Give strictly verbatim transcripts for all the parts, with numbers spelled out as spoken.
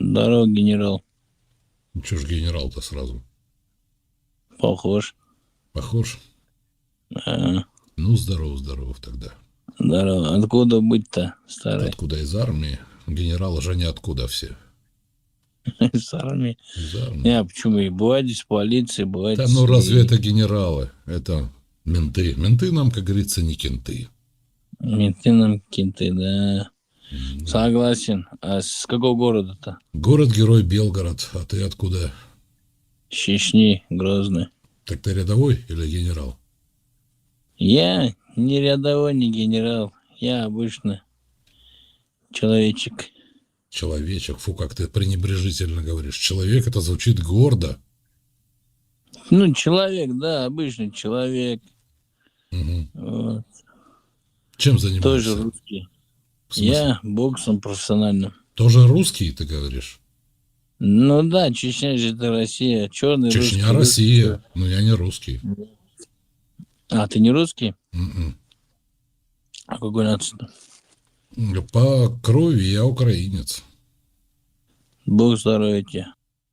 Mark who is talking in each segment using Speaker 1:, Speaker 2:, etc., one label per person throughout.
Speaker 1: Здорово, генерал.
Speaker 2: Ну, чё ж генерал-то сразу?
Speaker 1: Похож.
Speaker 2: Похож?
Speaker 1: А,
Speaker 2: Ну, здоров, здоров тогда.
Speaker 1: здорово. Откуда быть-то, старый?
Speaker 2: Откуда из армии? Генералы же не откуда все.
Speaker 1: Из армии.
Speaker 2: Из армии.
Speaker 1: Не, а почему? И бывает из полиции, бывает
Speaker 2: Да
Speaker 1: из
Speaker 2: ну разве
Speaker 1: и-
Speaker 2: это генералы? Это менты. Менты нам, как говорится, не кенты.
Speaker 1: менты нам кенты, да.
Speaker 2: Да.
Speaker 1: Согласен. А с какого города-то?
Speaker 2: Город-герой Белгород. А ты откуда?
Speaker 1: С Чечни, Грозный.
Speaker 2: Так ты рядовой или генерал?
Speaker 1: Я не рядовой, не генерал. Я обычный человечек.
Speaker 2: Человечек. Фу, как ты пренебрежительно говоришь. Человек — это звучит гордо.
Speaker 1: Ну, человек, да, обычный человек.
Speaker 2: Угу.
Speaker 1: Вот.
Speaker 2: Чем
Speaker 1: Тоже
Speaker 2: занимаешься?
Speaker 1: русский.
Speaker 2: В смысле?
Speaker 1: Я боксом профессиональным.
Speaker 2: Тоже русский, ты говоришь?
Speaker 1: Ну да, Чечня же это Россия. Черный
Speaker 2: Чечня,
Speaker 1: русский.
Speaker 2: Россия.
Speaker 1: русский.
Speaker 2: Но я не русский.
Speaker 1: А, ты не русский?
Speaker 2: М-м.
Speaker 1: А какой нации-то?
Speaker 2: По крови я украинец.
Speaker 1: Бог здоровья тебе.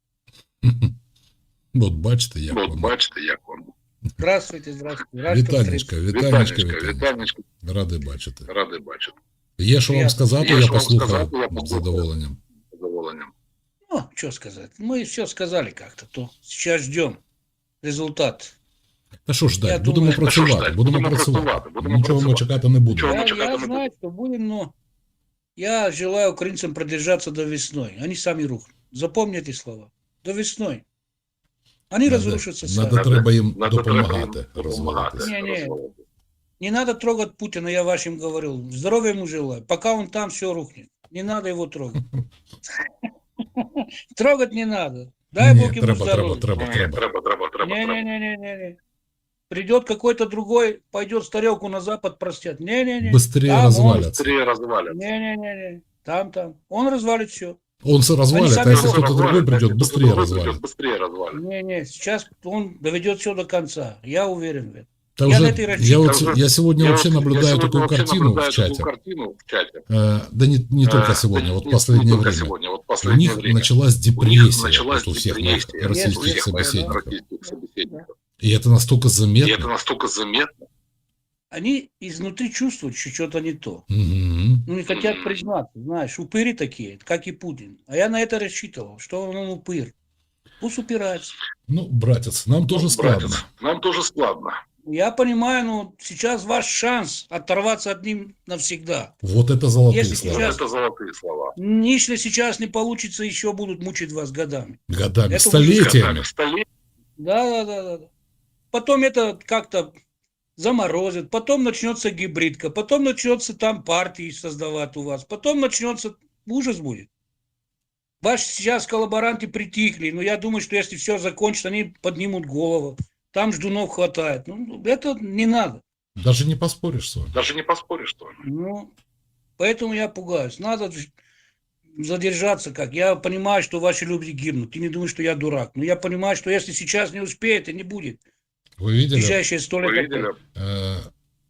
Speaker 2: Вот бачите, як
Speaker 3: Вот
Speaker 2: воно.
Speaker 3: бачите, як воно.
Speaker 4: Здравствуйте, здравствуйте. Рад, що
Speaker 2: Вітанечка,
Speaker 4: встретив.
Speaker 2: вітанечка,
Speaker 3: Вітанечка,
Speaker 2: вітанечка.
Speaker 3: вітанечка.
Speaker 2: Радий бачити.
Speaker 3: Радий бачити.
Speaker 2: Є що вам
Speaker 4: Приятно.
Speaker 2: сказати,
Speaker 3: Є
Speaker 2: я
Speaker 3: що вам
Speaker 2: послухаю
Speaker 3: сказати, я
Speaker 2: з
Speaker 3: послухаю.
Speaker 2: задоволенням.
Speaker 3: З задоволенням.
Speaker 4: Ну, что сказать. Мы все сказали как-то. То сейчас ждем результат.
Speaker 2: Та що ж
Speaker 4: Я
Speaker 2: ждать,
Speaker 4: думаю,
Speaker 2: будемо
Speaker 3: та що
Speaker 2: працювати,
Speaker 3: ждать?
Speaker 2: будемо
Speaker 3: Будемо
Speaker 2: працювати.
Speaker 3: працювати, будемо
Speaker 2: Нічого ми
Speaker 3: працювати.
Speaker 2: чекати не будемо.
Speaker 3: Нічого.
Speaker 4: Я,
Speaker 3: мы чекать
Speaker 4: я
Speaker 3: не
Speaker 4: знаю, что будем, но я желаю украинцам продержаться до весной. Они сами рухнут. Запомните слова. До весной. Они
Speaker 2: Надо,
Speaker 4: разрушатся сами.
Speaker 2: надо треба їм
Speaker 3: Надо треба їм
Speaker 2: допомагати
Speaker 3: допомагати.
Speaker 2: розвиватися.
Speaker 4: Не-не.
Speaker 3: розвиватися.
Speaker 4: Не надо трогать Путина, я вашим говорил. Здоровья ему желаю. Пока он там, все рухнет. Не надо его трогать. Трогать не надо. Дай
Speaker 2: Ні,
Speaker 4: Бог ему
Speaker 2: треба, треба,
Speaker 4: здоровья.
Speaker 2: треба,
Speaker 3: Ні,
Speaker 2: треба.
Speaker 3: треба, треба, треба, треба.
Speaker 4: Не-не-не-не-не. Придет какой-то другой, пойдет старелку на запад простят. Не-не-не.
Speaker 2: Быстрее
Speaker 4: Там
Speaker 2: развалятся.
Speaker 3: Быстрее развалят.
Speaker 4: он- Не-не-не-не. Там, там. Он развалит все.
Speaker 2: Он се развалит,
Speaker 4: сами
Speaker 2: а если
Speaker 4: будут
Speaker 2: кто-то другой придет, быстрее развалит.
Speaker 3: Быстрее развалит.
Speaker 4: Не-не. Сейчас он доведет все до конца. Я уверен в этом.
Speaker 2: Да
Speaker 4: Я
Speaker 2: уже-
Speaker 4: на этой
Speaker 2: я,
Speaker 4: рассчитываю.
Speaker 2: вот, се- я сегодня
Speaker 3: Я
Speaker 2: вообще
Speaker 3: вот-
Speaker 2: наблюдаю
Speaker 3: я сегодня
Speaker 2: такую
Speaker 3: вообще
Speaker 2: картину
Speaker 3: наблюдаю
Speaker 2: в чате.
Speaker 3: такую картину в чате.
Speaker 2: Э, да не, не только
Speaker 3: Э,
Speaker 2: сегодня,
Speaker 3: да
Speaker 2: вот
Speaker 3: не-
Speaker 2: последнее
Speaker 3: не только
Speaker 2: время.
Speaker 3: сегодня, вот
Speaker 2: У
Speaker 3: последнее
Speaker 2: них
Speaker 3: время.
Speaker 2: началась
Speaker 3: У них
Speaker 2: депрессия
Speaker 3: началась
Speaker 2: вот у всех моих
Speaker 3: депрессия
Speaker 2: российских
Speaker 4: у всех моих
Speaker 2: собеседников.
Speaker 3: российских собеседников.
Speaker 2: И это настолько
Speaker 3: И
Speaker 2: заметно.
Speaker 3: это настолько заметно.
Speaker 4: Они изнутри чувствуют, что что-то не то.
Speaker 2: Мгм.
Speaker 4: Ну, не хотят
Speaker 3: Мгм.
Speaker 4: признаться. Знаешь, упыри такие, как и Путин. А я на это рассчитывал, что он упырь. Пусть упирается.
Speaker 2: Ну, братец, нам тоже
Speaker 3: Ну,
Speaker 2: складно.
Speaker 3: братец, нам тоже складно.
Speaker 4: Я понимаю, но сейчас ваш шанс оторваться от них навсегда.
Speaker 2: Вот это золотые
Speaker 4: Если
Speaker 2: слова.
Speaker 3: Вот
Speaker 4: сейчас-
Speaker 3: это золотые слова.
Speaker 4: Если сейчас не получится, еще будут мучить вас годами.
Speaker 2: Годами,
Speaker 4: Это
Speaker 2: столетиями.
Speaker 3: Столетиями.
Speaker 4: Да, да, да, да. да. Потом это как-то заморозит, потом начнется гибридка, потом начнется там партии создавать у вас, потом начнется ужас будет. Ваши сейчас коллаборанты притихли, но я думаю, что если все закончится, они поднимут голову. Там ждунов хватает. Ну, это не надо.
Speaker 2: Даже не поспоришь с вами.
Speaker 3: Даже не поспоришь, что ли.
Speaker 4: Ну, поэтому я пугаюсь. Надо ж- задержаться как. Я понимаю, что ваши люди гибнут. Ты не думаешь, что я дурак. Но я понимаю, что если сейчас не успеет, и не будет.
Speaker 2: Вы
Speaker 4: В
Speaker 2: видели?
Speaker 4: ближайшие сто лет.
Speaker 3: Вы видели?
Speaker 2: Э,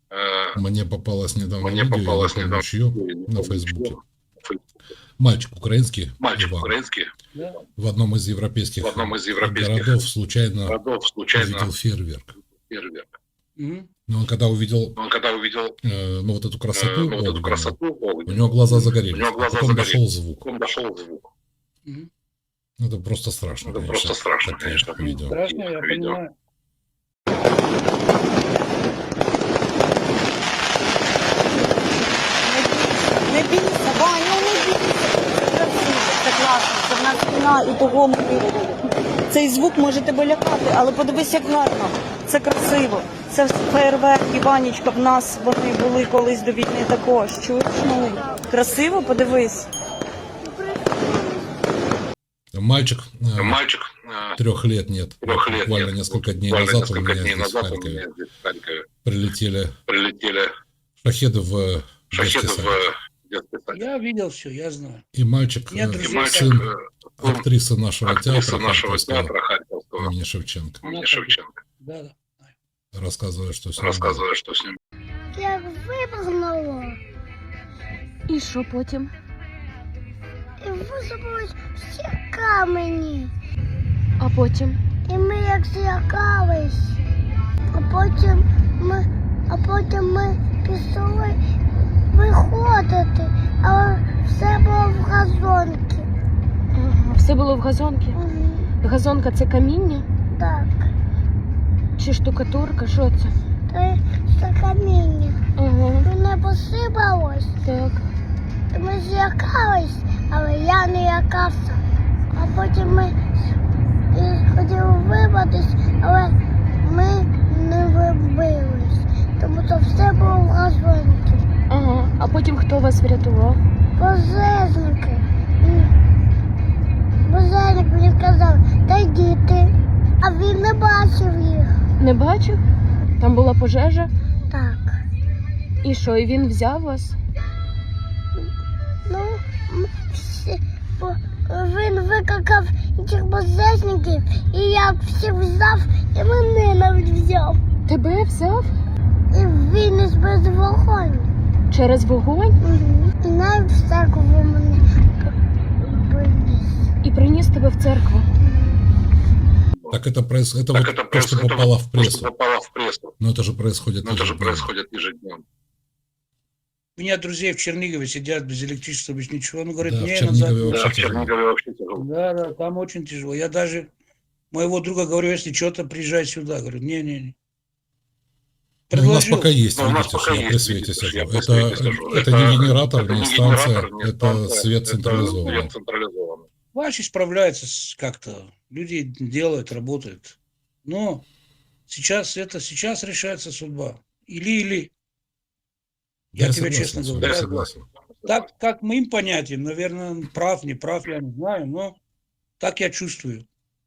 Speaker 3: Э,
Speaker 2: Мне попалось недавно
Speaker 3: Мне
Speaker 2: видео,
Speaker 3: попалось
Speaker 2: я не помню,
Speaker 3: недавно
Speaker 2: чье,
Speaker 3: видео, я не
Speaker 2: на
Speaker 3: помню,
Speaker 2: Фейсбуке.
Speaker 3: чье. Фейсбуке.
Speaker 2: Мальчик украинский,
Speaker 3: Мальчик
Speaker 2: Иван,
Speaker 3: украинский
Speaker 4: Да.
Speaker 2: в одном из европейских,
Speaker 3: в одном из европейских
Speaker 2: городов случайно
Speaker 3: городов случайно
Speaker 2: увидел фейерверк.
Speaker 3: фейерверк.
Speaker 4: Мгм.
Speaker 2: Но он когда увидел
Speaker 3: Он когда увидел
Speaker 2: э, ну, вот эту
Speaker 3: э,
Speaker 2: красоту,
Speaker 3: ну, вот эту
Speaker 2: огненную,
Speaker 3: красоту,
Speaker 2: у
Speaker 3: огненную,
Speaker 2: него глаза загорелись,
Speaker 3: у него
Speaker 2: а
Speaker 3: глаза
Speaker 2: потом
Speaker 3: загорелись.
Speaker 2: дошел звук.
Speaker 3: потом дошел звук.
Speaker 4: Мгм.
Speaker 2: Это просто страшно,
Speaker 3: Это
Speaker 2: конечно,
Speaker 3: просто страшно,
Speaker 2: такие
Speaker 3: конечно.
Speaker 2: видео.
Speaker 4: Страшно, я
Speaker 3: Видео.
Speaker 4: понимаю.
Speaker 5: Не бійся, Вань, ну не бійся. Це красиво, це класно, це в нас війна і того ми. Цей звук може тебе лякати, але подивись, як гарно. Це красиво. Це фейерверки, Ванечка, в нас вони були колись до війни також. Чуєш? Ну, красиво, подивись.
Speaker 2: Мальчик, э,
Speaker 3: Мальчик э,
Speaker 2: трех лет нет,
Speaker 3: трех лет
Speaker 2: буквально
Speaker 3: нет.
Speaker 2: несколько дней
Speaker 3: Буквально
Speaker 2: назад у
Speaker 3: несколько
Speaker 2: меня
Speaker 3: дней
Speaker 2: здесь в
Speaker 3: назад у
Speaker 2: Харькове
Speaker 3: меня здесь в Харькове
Speaker 2: прилетели
Speaker 3: прилетели
Speaker 2: шахеды в э, детский
Speaker 3: шахеды
Speaker 2: садик.
Speaker 3: в детский садик.
Speaker 4: Я видел все, я знаю.
Speaker 2: И мальчик,
Speaker 4: Я
Speaker 2: э,
Speaker 3: И
Speaker 4: друзей
Speaker 3: мальчик,
Speaker 2: сын
Speaker 3: э, сын
Speaker 2: актрисы нашего
Speaker 3: актрисы
Speaker 2: театра,
Speaker 3: нашего
Speaker 2: Харьковского,
Speaker 3: театра Харьковского
Speaker 2: имени Шевченко,
Speaker 3: имени
Speaker 4: Ну,
Speaker 3: Шевченко,
Speaker 4: Да, да.
Speaker 2: рассказывая, что с ним было.
Speaker 3: рассказывая, что с ним.
Speaker 6: Як вибухнуло,
Speaker 5: І що потім?
Speaker 6: і посипались всі камені.
Speaker 5: А потім?
Speaker 6: І ми як злякались. А потім ми, а потім ми пішли виходити, але все було в газонці.
Speaker 5: Ага, все було в газонці?
Speaker 6: Мгм.
Speaker 5: Газонка це каміння?
Speaker 6: Так,
Speaker 5: Чи штукатурка? Що це?
Speaker 6: це, це каміння.
Speaker 5: Ага,
Speaker 6: Мене посипалось,
Speaker 5: так.
Speaker 6: і ми злякались, але я не лякався. А потім ми і хотіли вибратись, але ми не вибились, тому що все було в газонці.
Speaker 5: Ага, а потім хто вас врятував?
Speaker 6: Пожежники. Пожежник мені сказав, та діти. А він не бачив їх.
Speaker 5: Не бачив? Там була пожежа?
Speaker 6: Так.
Speaker 5: І що, і він взяв вас?
Speaker 6: Ну, м, всі, бо він викликав цих пожежників, і я всіх взяв, і мене навіть взяв.
Speaker 5: Тебе взяв?
Speaker 6: І виніс без вогонь.
Speaker 5: Через вогонь?
Speaker 6: Угу. І навіть в церкву мене приніс.
Speaker 5: І приніс тебе в церкву.
Speaker 2: Так это, проис... это
Speaker 3: Так
Speaker 2: вот
Speaker 3: это
Speaker 2: то,
Speaker 3: проис-
Speaker 2: что
Speaker 3: это
Speaker 2: попало
Speaker 3: вот
Speaker 2: в
Speaker 3: то, что
Speaker 2: прессу.
Speaker 3: попало в прессу.
Speaker 2: Но это же происходит
Speaker 3: Но это же
Speaker 2: ежедневно.
Speaker 3: происходит ежедневно.
Speaker 4: У меня друзья в Чернигове сидят без электричества, без ничего. Он говорит,
Speaker 2: Да, в
Speaker 4: не,
Speaker 2: Чернигове
Speaker 4: назад.
Speaker 2: вообще
Speaker 3: Да, в
Speaker 2: тяжело.
Speaker 3: Чернигове вообще тяжело.
Speaker 4: Да, да, там очень тяжело. Я даже моего друга говорю, если что-то, приезжай сюда. Говорю, не-не-не.
Speaker 2: Ну, у нас пока есть,
Speaker 3: Ну, у нас
Speaker 2: видите,
Speaker 3: пока
Speaker 2: что я
Speaker 3: есть,
Speaker 2: при свете
Speaker 3: видите, что
Speaker 2: сижу.
Speaker 3: я при
Speaker 2: Это,
Speaker 3: свете сижу.
Speaker 2: это
Speaker 3: Это-
Speaker 2: не генератор,
Speaker 3: это
Speaker 2: не
Speaker 3: не
Speaker 2: станция,
Speaker 3: генератор, не
Speaker 2: это
Speaker 3: станция,
Speaker 2: свет
Speaker 3: это
Speaker 2: централизованный.
Speaker 3: свет централизованный.
Speaker 4: Ваши справляются с- как-то. Люди делают, работают. Но сейчас это, сейчас решается судьба. Или-или.
Speaker 2: Да,
Speaker 4: Я тебе
Speaker 2: согласен
Speaker 4: честно
Speaker 2: с вами,
Speaker 4: говорю.
Speaker 2: я согласен.
Speaker 4: Так, как моим понятиям, наверное, прав, не прав, я не знаю, но так я чувствую.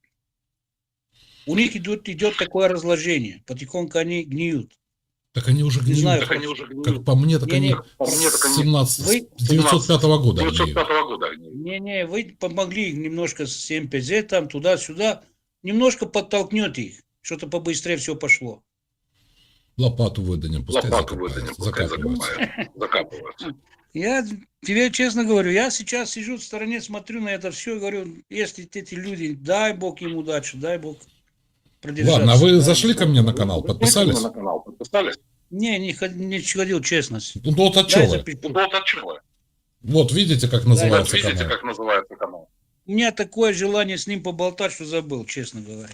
Speaker 4: У них идет, идет такое разложение. Потихоньку они гниют.
Speaker 2: Так они уже
Speaker 4: Не
Speaker 2: гниют.
Speaker 4: знаю,
Speaker 3: Так они уже
Speaker 2: Как
Speaker 3: гниют.
Speaker 2: по мне, так
Speaker 4: Не,
Speaker 2: они
Speaker 4: не,
Speaker 3: по мне, так
Speaker 2: с
Speaker 3: они-
Speaker 2: семнадцать,
Speaker 4: Вы-
Speaker 2: с девятьсот пятого года
Speaker 3: девятьсот
Speaker 2: гниют.
Speaker 3: пятого года гниют.
Speaker 4: Не-не, вы помогли им немножко с эм пэ зэ, там, туда-сюда. Немножко подтолкнете их. Что-то побыстрее все пошло.
Speaker 2: Лопату выданем, пускай
Speaker 3: Лопату
Speaker 2: закопают,
Speaker 3: выданем, пускай
Speaker 2: закапываются.
Speaker 3: закопают. Закапываются.
Speaker 4: Я тебе честно говорю, я сейчас сижу в стороне, смотрю на это все и говорю, если эти люди, дай Бог им удачи, дай Бог продержаться.
Speaker 2: Ладно, а вы
Speaker 4: Дай
Speaker 2: зашли
Speaker 4: Бог.
Speaker 2: ко мне на канал, подписались?
Speaker 3: На канал подписались?
Speaker 4: Не, не, ход- не ходил, честность.
Speaker 2: Ну вот от
Speaker 4: Дай
Speaker 2: чего?
Speaker 4: запишу.
Speaker 3: Ну, вот от чего?
Speaker 2: Вот видите, как
Speaker 3: Вот
Speaker 2: называется
Speaker 3: видите,
Speaker 2: канал?
Speaker 3: как называется канал.
Speaker 4: У меня такое желание с ним поболтать, что забыл, честно говоря.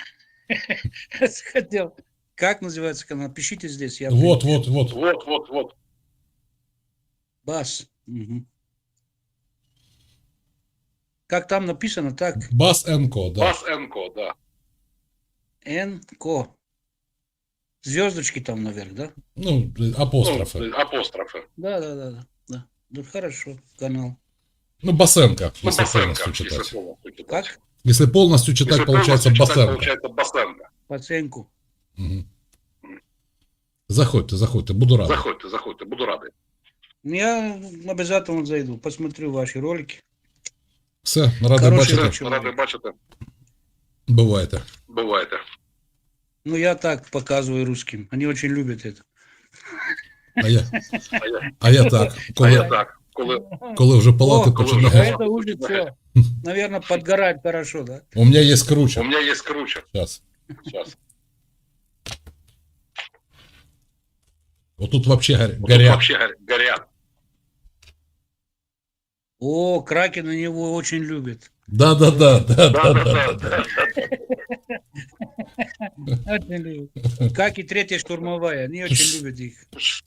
Speaker 4: Хотел. Как называется канал? Пишите здесь. Я
Speaker 2: Вот, вот, вот.
Speaker 3: Вот, вот, вот.
Speaker 4: Бас. Мгм. Как там написано, так?
Speaker 2: Бас Энко, да.
Speaker 3: Бас Энко, да.
Speaker 4: Н-ко. Звездочки там наверх, да?
Speaker 2: Ну, апострофы.
Speaker 3: Ну, апострофы.
Speaker 4: Да, да, да, да. да. Ну, хорошо, канал.
Speaker 2: Ну, Басенко,
Speaker 3: Ну,
Speaker 2: если
Speaker 3: Басенко,
Speaker 2: полностью
Speaker 3: если
Speaker 2: читать.
Speaker 3: полностью читать.
Speaker 4: Как?
Speaker 2: Если полностью читать,
Speaker 3: Если
Speaker 2: получается
Speaker 3: полностью читать,
Speaker 2: Басенко.
Speaker 3: получается Басенко.
Speaker 4: По оценку.
Speaker 2: Мгм. Заходьте, заходьте, буду рад.
Speaker 3: Заходьте, заходьте, буду радий.
Speaker 4: Я обязательно зайду, посмотрю ваши ролики.
Speaker 2: Все, радий
Speaker 4: Хороший
Speaker 2: бачити.
Speaker 4: вечір.
Speaker 3: Радий бачити.
Speaker 2: Бувайте.
Speaker 3: Бувайте.
Speaker 4: Ну, я так показываю русским. Они очень любят это.
Speaker 2: А я,
Speaker 3: А я,
Speaker 2: а я так,
Speaker 3: а
Speaker 2: коли,
Speaker 3: я так, коли
Speaker 2: коли вже палати
Speaker 4: О,
Speaker 3: коли
Speaker 4: а
Speaker 3: вже
Speaker 2: починають.
Speaker 4: это уже все. Наверное, подгорает хорошо, да?
Speaker 2: У мене є
Speaker 3: у
Speaker 2: круче.
Speaker 3: мене є круче.
Speaker 2: Зараз.
Speaker 3: Сейчас.
Speaker 2: Отут вообще горя-
Speaker 3: Тут
Speaker 2: горять.
Speaker 3: вообще горя- горят.
Speaker 4: О, Кракен его очень любит.
Speaker 2: Да, да, да, да, да, да, да,
Speaker 3: Да-да-да.
Speaker 2: да.
Speaker 4: Очень любит. Как и третья штурмовая. Они очень любят их.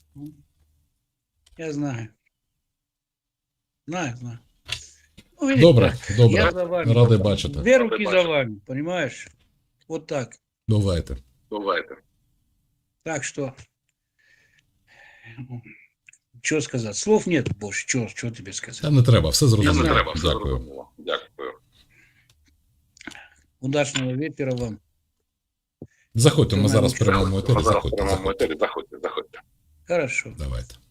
Speaker 4: Я знаю. Знаю, знаю. Ну, видите,
Speaker 2: Добре,
Speaker 4: я
Speaker 2: добре.
Speaker 4: за вами.
Speaker 2: Радий бачити.
Speaker 4: Две руки
Speaker 3: Радий
Speaker 4: за
Speaker 3: бачити.
Speaker 4: вами, понимаешь? Вот так.
Speaker 2: Бувайте.
Speaker 3: Бувайте.
Speaker 4: Так что, что сказать? Слов нет больше. Что, что тебе
Speaker 2: Та
Speaker 4: сказать?
Speaker 2: не треба, все
Speaker 3: Я не
Speaker 2: зрозуміло.
Speaker 3: треба, все
Speaker 2: Дякую.
Speaker 3: зрозуміло. Дякую.
Speaker 4: Удачного вечера вам.
Speaker 2: Заходьте, ми зараз в
Speaker 4: Ми
Speaker 2: прямому етері.
Speaker 3: Зараз в
Speaker 2: Заходьте,
Speaker 3: прямому
Speaker 2: заходьте.
Speaker 3: етері. Заходьте, заходьте.
Speaker 4: Хорошо.
Speaker 2: Давайте.